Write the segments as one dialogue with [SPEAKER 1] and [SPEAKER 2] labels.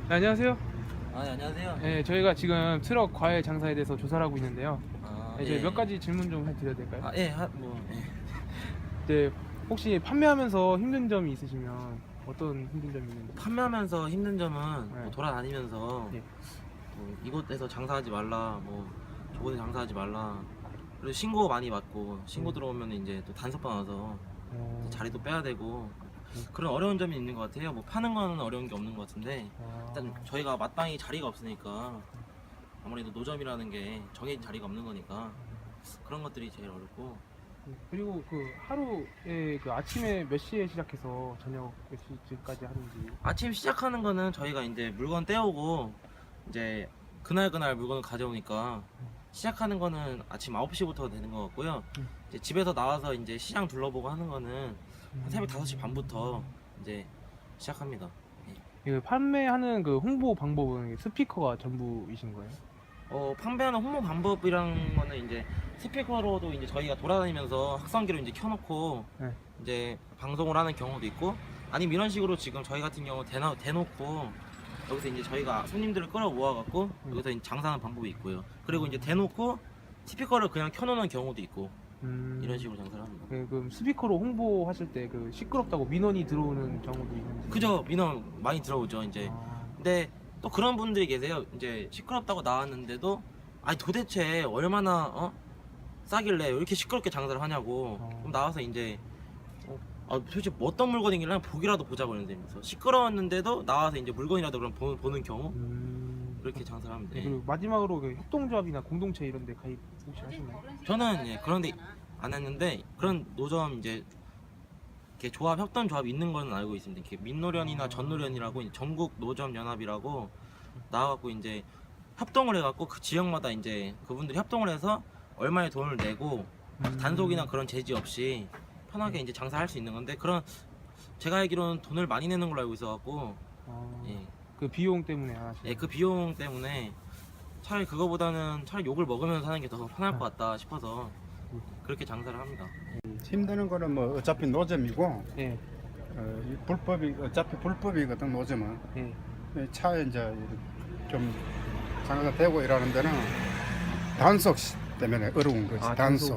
[SPEAKER 1] 네, 안녕하세요.
[SPEAKER 2] 네, 안녕하세요.
[SPEAKER 1] 네, 저희가 지금 트럭 과외 장사에 대해서 조사를 하고 있는데요. 네, 저희
[SPEAKER 2] 예.
[SPEAKER 1] 몇 가지 질문 좀 해드려도 될까요?
[SPEAKER 2] 예, 예.
[SPEAKER 1] 네, 혹시 판매하면서 힘든 점이 있으시면 어떤 힘든 점이 있는지?
[SPEAKER 2] 판매하면서 힘든 점은
[SPEAKER 1] 네.
[SPEAKER 2] 뭐 돌아다니면서
[SPEAKER 1] 예.
[SPEAKER 2] 뭐 이곳에서 장사하지 말라, 뭐 저곳에 장사하지 말라. 그리고 신고 많이 받고 신고 들어오면 이제 또 단속반 와서 자리도 빼야 되고 그런 어려운 점이 있는 것 같아요. 뭐 파는 거는 어려운 게 없는 것 같은데 일단 저희가 마땅히 자리가 없으니까 아무래도 노점이라는 게 정해진 자리가 없는 거니까 그런 것들이 제일 어렵고.
[SPEAKER 1] 그리고 그 하루에 그 아침에 몇 시에 시작해서 저녁 몇 시까지 하는지.
[SPEAKER 2] 아침 시작하는 거는 저희가 이제 물건 떼오고 이제 그날 물건을 가져오니까 시작하는 거는 아침 9시부터 되는 것 같고요. 이제 집에서 나와서 이제 시장 둘러보고 하는 거는 한 새벽 5시 반부터 이제 시작합니다. 예.
[SPEAKER 1] 그 판매하는 그 홍보 방법은 스피커가 전부이신 거예요?
[SPEAKER 2] 판매하는 홍보 방법이란 거는 이제 스피커로도 이제 저희가 돌아다니면서 확성기로 이제 켜놓고
[SPEAKER 1] 네.
[SPEAKER 2] 이제 방송을 하는 경우도 있고, 아니면 이런 식으로 지금 저희 같은 경우 대놓고 여기서 이제 저희가 손님들을 끌어 모아갖고 여기서 이제 장사하는 방법이 있고요. 그리고 이제 대놓고 스피커를 그냥 켜놓는 경우도 있고 이런 식으로 장사를 합니다.
[SPEAKER 1] 네, 그럼 스피커로 홍보하실 때 그 시끄럽다고 민원이 들어오는 경우도 있는지?
[SPEAKER 2] 그죠? 민원 많이 들어오죠 이제.
[SPEAKER 1] 아,
[SPEAKER 2] 근데 또 그런 분들이 계세요. 이제 시끄럽다고 나왔는데도 아니 도대체 얼마나 싸길래 이렇게 시끄럽게 장사를 하냐고. 그럼 나와서 이제 도대체 뭐 어떤 물건이길래 보기라도 보자고 그러는데, 시끄러웠는데도 나와서 이제 물건이라도 그럼 보는 경우 그렇게 장사를 하면
[SPEAKER 1] 네,
[SPEAKER 2] 돼.
[SPEAKER 1] 그리고 마지막으로 그 협동조합이나 공동체 이런 데 가입 혹시 하시나요?
[SPEAKER 2] 저는 그런데 안 했는데 그런 노점 이제 이렇게 조합 협동 조합 있는 거는 알고 있습니다. 이렇게 민노련이나 전노련이라고 이제 전국 노점 연합이라고 나와갖고 이제 협동을 해갖고 그 지역마다 이제 그분들이 협동을 해서 얼마의 돈을 내고 단속이나 그런 제지 없이 편하게 이제 장사할 수 있는 건데, 그런 제가 알기로는 돈을 많이 내는 걸로 알고 있어갖고 예.
[SPEAKER 1] 그 비용 때문에 안 하시나요?
[SPEAKER 2] 예, 그 비용 때문에 차라리 그거보다는 차라리 욕을 먹으면서 하는 게 더 편할 것 같다 싶어서 그렇게 장사를 합니다.
[SPEAKER 3] 힘드는 거는 뭐 어차피 노점이고
[SPEAKER 1] 네.
[SPEAKER 3] 이 불법이 어차피 불법이거든 노점은.
[SPEAKER 1] 네.
[SPEAKER 3] 차에 이제 좀 장사가 되고 이러는 데는 단속 때문에 어려운 거지.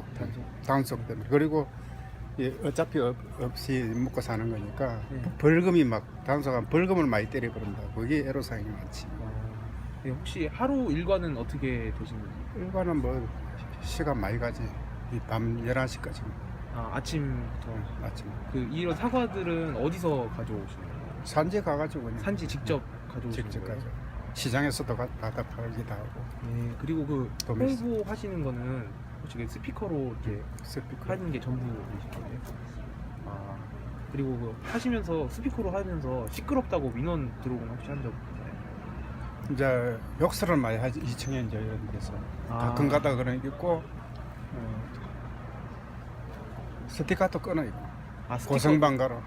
[SPEAKER 3] 단속 때문에. 그리고 어차피 없이 먹고 사는 거니까 벌금이 막 단속하면 벌금을 많이 때려버린다. 그게 애로사항이 많지.
[SPEAKER 1] 네, 혹시 하루 일과는 어떻게 되시는지?
[SPEAKER 3] 일반은 뭐 시간 많이 가지. 이 밤 11시까지.
[SPEAKER 1] 아침부터.
[SPEAKER 3] 아침.
[SPEAKER 1] 그 이런 사과들은 어디서 가져오시나요?
[SPEAKER 3] 산지 가가지고 그냥
[SPEAKER 1] 산지 직접 가져오시는
[SPEAKER 3] 직접
[SPEAKER 1] 거예요?
[SPEAKER 3] 가져. 시장에서도 받아 팔기도 하고.
[SPEAKER 1] 네. 그리고 그
[SPEAKER 3] 도매시.
[SPEAKER 1] 홍보하시는 거는 혹시 그 스피커로 이렇게
[SPEAKER 3] 스피커.
[SPEAKER 1] 하는 게 전부이신 거예요? 그리고 그 하시면서 스피커로 하면서 시끄럽다고 민원 들어오면 혹시 한 적 있나요?
[SPEAKER 3] 이제 욕설을 많이 하지 2층에 이제 이런 데서 가끔 가다 그런 게 있고 스티커도 끊어 있고
[SPEAKER 1] 스티커?
[SPEAKER 3] 고성방 가로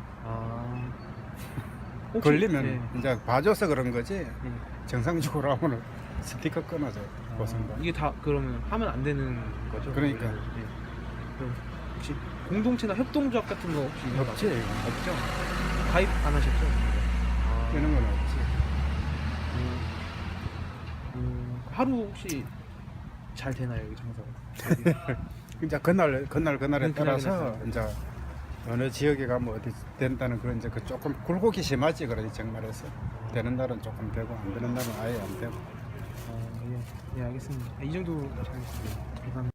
[SPEAKER 1] 혹시-
[SPEAKER 3] 걸리면
[SPEAKER 1] 네.
[SPEAKER 3] 이제 봐줘서 그런 거지
[SPEAKER 1] 네.
[SPEAKER 3] 정상적으로 하면은 스티커 끊어져 고성방.
[SPEAKER 1] 이게 다 그러면 하면 안 되는 거죠?
[SPEAKER 3] 그러니까.
[SPEAKER 1] 네. 그럼 혹시 공동체나 협동조합 같은 거 혹시 있는 거
[SPEAKER 3] 없지.
[SPEAKER 1] 없죠? 가입 안 하셨죠?
[SPEAKER 3] 이런 건 없지.
[SPEAKER 1] 하루 혹시 잘 되나요, 이 장사가?
[SPEAKER 3] 이제 그날에
[SPEAKER 1] 그날에
[SPEAKER 3] 따라서
[SPEAKER 1] 따라서.
[SPEAKER 3] 이제 어느 지역에 가면 어디 된다는 그런 이제 그 조금 굴곡이 심하지 그러지 정말에서. 되는 날은 조금 되고 안 되는 날은 아예 안 되고.
[SPEAKER 1] 예, 알겠습니다. 이 정도 잘했습니다. 감사합니다.